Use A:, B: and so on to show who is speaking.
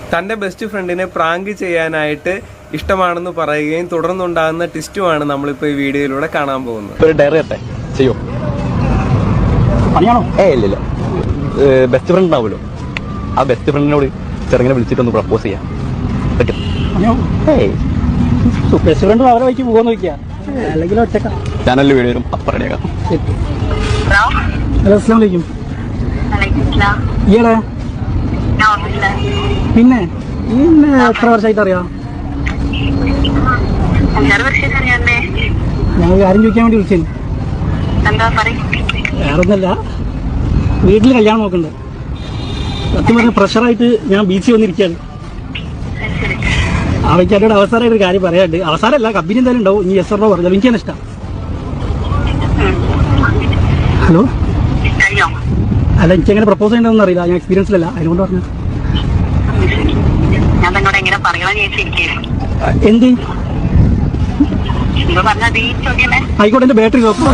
A: തൻ്റെ ബെസ്റ്റ് ഫ്രണ്ടിനെ പ്രാങ്ക് ചെയ്യാനായിട്ട് ഇഷ്ടമാണെന്ന് പറയുകയും തുടർന്നുണ്ടാകുന്ന ട്വിസ്റ്റുമാണ് നമ്മളിപ്പോൾ ഈ വീഡിയോയിലൂടെ കാണാൻ പോകുന്നത്.
B: ഒരു ഡയറി അട്ടെ ചെയ്യോ? പണിയാണോ? ഇല്ല. ബെസ്റ്റ് ഫ്രണ്ട് ഉണ്ടാവുമല്ലോ, ആ ബെസ്റ്റ് ഫ്രണ്ടിനോട് ചെറുങ്ങനെ വിളിച്ചിട്ടൊന്ന് പ്രപ്പോസ് ചെയ്യാം. പറ്റും? ബെസ്റ്റ് ഫ്രണ്ട് അവരെ വഴിക്ക് പോകാൻ നോക്കിയാ, അല്ലെങ്കിൽ ഒറ്റക്കാം. ചാനലിൽ വീഡിയോ വരും, അപ്പം റെഡിയാക്കാം. ഹലോ, അസ്സലാമു അലൈക്കും. ഈയിടെ പിന്നെ എത്ര വർഷമായിട്ട് അറിയാം? ഞാൻ കാര്യം ചോദിക്കാൻ വേണ്ടി വിളിച്ചു. വേറൊന്നല്ല, വീട്ടിൽ കല്യാണം നോക്കണ്ട്. സത്യം പറഞ്ഞ പ്രഷറായിട്ട് ഞാൻ ബീച്ചിൽ വന്നിരിക്കുകയാണ്. അവയ്ക്കാരോട് അവസാനമായിട്ടൊരു കാര്യം പറയാണ്ട്. അവസാനമല്ല, കമ്പനി എന്തായാലും ഉണ്ടാവും. ഇനി എസ് ആറോ പറഞ്ഞാലും എനിക്കാണ് ഇഷ്ടം. ഹലോ, അല്ല, എനിക്കങ്ങനെ പ്രപ്പോസ് ചെയ്യണമെന്ന് അറിയില്ല, ഞാൻ എക്സ്പീരിയൻസിലല്ല, അതിനുകൊണ്ട് പറഞ്ഞു. എന്ത് ആയിക്കോട്ടെ, എന്റെ ബാറ്ററി നോക്കാം.